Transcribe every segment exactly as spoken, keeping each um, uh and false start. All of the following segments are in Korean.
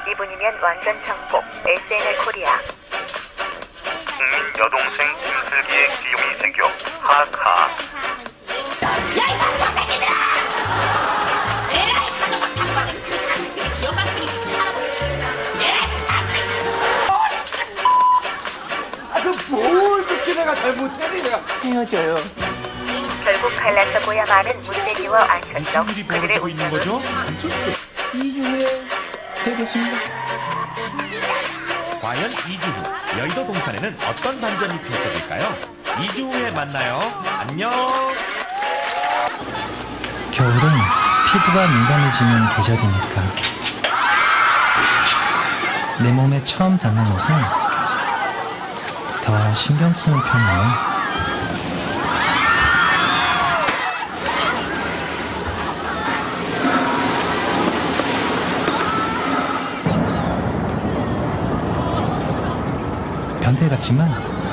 이분이면 완전 정복. 에스엔엘 코리아. 국민 여동생 김슬기의 기용이 생겨 하하. 야이 삼촌 새끼들아! 에라이 가족은 자빠진 그 자식들이 영감탱이 에라이 아, 그 뭘 그렇게 내가 잘못했니 내가 헤어져요. 결국 갈라서 고야마는 문대리와 안철석. 무슨 일이 그들의 벌어지고 있는 운명은 거죠? 안철수. 이 주에 되겠습니다. 과연 이 주 후 여의도 동산에는 어떤 반전이 펼쳐질까요? 이 주 후에 만나요. 안녕. 겨울은 피부가 민감해지는 계절이니까 내 몸에 처음 닿는 옷은 더 신경 쓰는 편이에요. 변태 같지만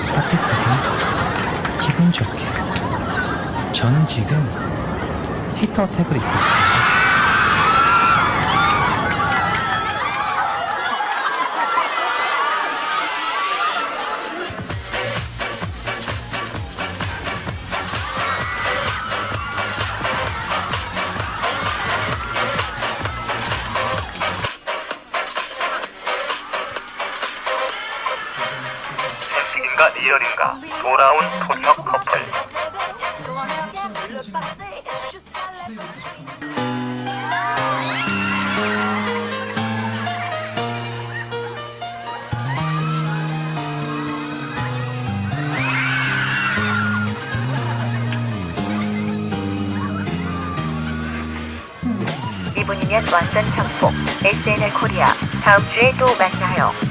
따뜻하게 기분 좋게 저는 지금 히터텍을 입고 있습니다. 현실인가 리얼인가 돌아온 토녀 커플. 이분이면 완전 정복. 에스엔엘 코리아. 다음 주에 또 만나요.